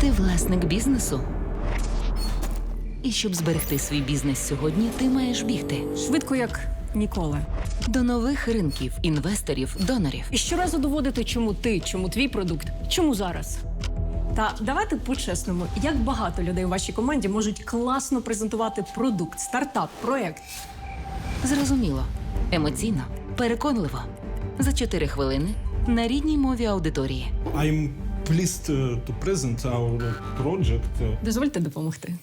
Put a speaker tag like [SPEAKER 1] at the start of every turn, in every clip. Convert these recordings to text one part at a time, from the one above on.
[SPEAKER 1] Ти власник бізнесу. І щоб зберегти свій бізнес сьогодні, ти маєш бігти
[SPEAKER 2] Швидко, як ніколи.
[SPEAKER 1] до нових ринків, інвесторів, донорів.
[SPEAKER 2] І щоразу доводити, чому ти, чому твій продукт, чому зараз. Та давайте по-чесному, як багато людей у вашій команді можуть класно презентувати продукт, стартап, проєкт.
[SPEAKER 1] Зрозуміло, емоційно, переконливо. За 4 хвилини на рідній мові аудиторії.
[SPEAKER 3] I'm pleased to present our project.
[SPEAKER 2] Дозвольте допомогти.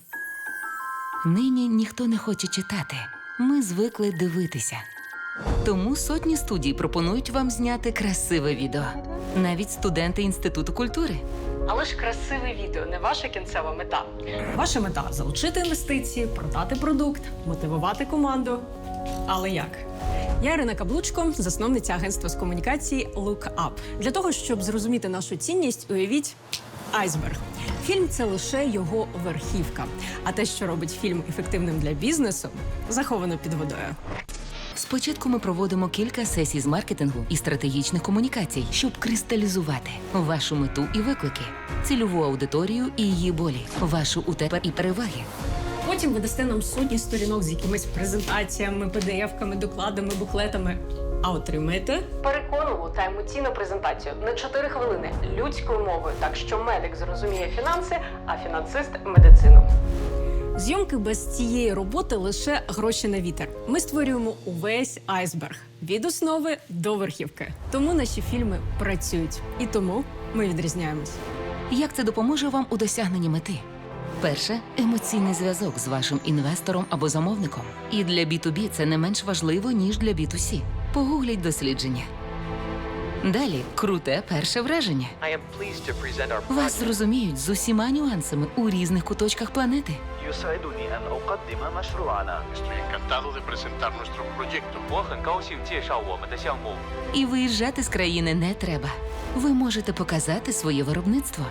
[SPEAKER 1] Нині ніхто не хоче читати. Ми звикли дивитися. Тому сотні студій пропонують вам зняти красиве відео. Навіть студенти Інституту культури.
[SPEAKER 2] Але ж красиве відео не ваша кінцева мета. Ваша мета – залучити інвестиції, продати продукт, мотивувати команду. Але як? Я Ірина Каблучко, засновниця агентства з комунікації Look Up. Для того, щоб зрозуміти нашу цінність, уявіть айсберг. Фільм – це лише його верхівка. А те, що робить фільм ефективним для бізнесу, заховано під водою.
[SPEAKER 1] Спочатку ми проводимо кілька сесій з маркетингу і стратегічних комунікацій, щоб кристалізувати вашу мету і виклики, цільову аудиторію і її болі, вашу УТП і переваги.
[SPEAKER 2] Потім ви дасте нам сотні сторінок з якимись презентаціями, PDF-ками, докладами, буклетами. А отримаєте переконливу та емоційну презентацію на 4 хвилини людською мовою, так що медик зрозуміє фінанси, а фінансист – медицину. Зйомки без цієї роботи лише гроші на вітер. Ми створюємо увесь айсберг від основи до верхівки. Тому наші фільми працюють. І тому ми відрізняємось.
[SPEAKER 1] Як це допоможе вам у досягненні мети? Перше – емоційний зв'язок з вашим інвестором або замовником. І для B2B це не менш важливо, ніж для B2C. Погугліть дослідження. Далі – круте перше враження.
[SPEAKER 4] I am pleased to present our
[SPEAKER 1] Вас
[SPEAKER 4] project.
[SPEAKER 1] зрозуміють з усіма нюансами у різних куточках планети.
[SPEAKER 4] يسعدني أن أقدم مشروعنا.
[SPEAKER 5] Estoy encantado de presentar nuestro proyecto.
[SPEAKER 4] 我很高兴介绍我们的项目。
[SPEAKER 1] І виїжджати з країни не треба. Ви можете показати своє виробництво.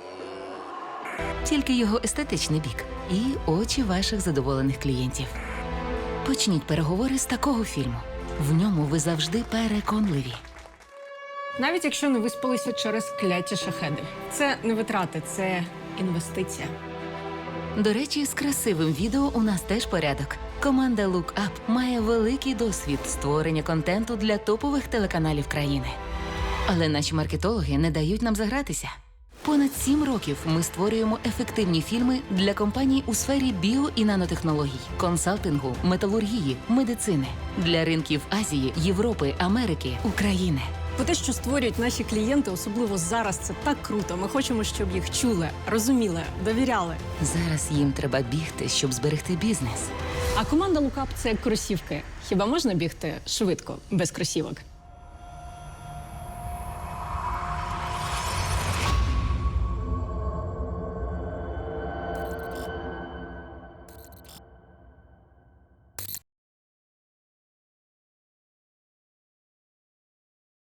[SPEAKER 1] Тільки його естетичний бік і очі ваших задоволених клієнтів. Почніть переговори з такого фільму. В ньому ви завжди переконливі.
[SPEAKER 2] Навіть якщо не виспалися через кляті шахеди. Це не витрати, це інвестиція.
[SPEAKER 1] До речі, з красивим відео у нас теж порядок. Команда Look Up має великий досвід створення контенту для топових телеканалів країни. Але наші маркетологи не дають нам загратися. Понад 7 років ми створюємо ефективні фільми для компаній у сфері біо- і нанотехнологій, консалтингу, металургії, медицини, для ринків Азії, Європи, Америки, України.
[SPEAKER 2] Бо те, що створюють наші клієнти, особливо зараз, це так круто. Ми хочемо, щоб їх чули, розуміли, довіряли.
[SPEAKER 1] Зараз їм треба бігти, щоб зберегти бізнес.
[SPEAKER 2] А команда Look Up – це як кросівки. Хіба можна бігти швидко, без кросівок?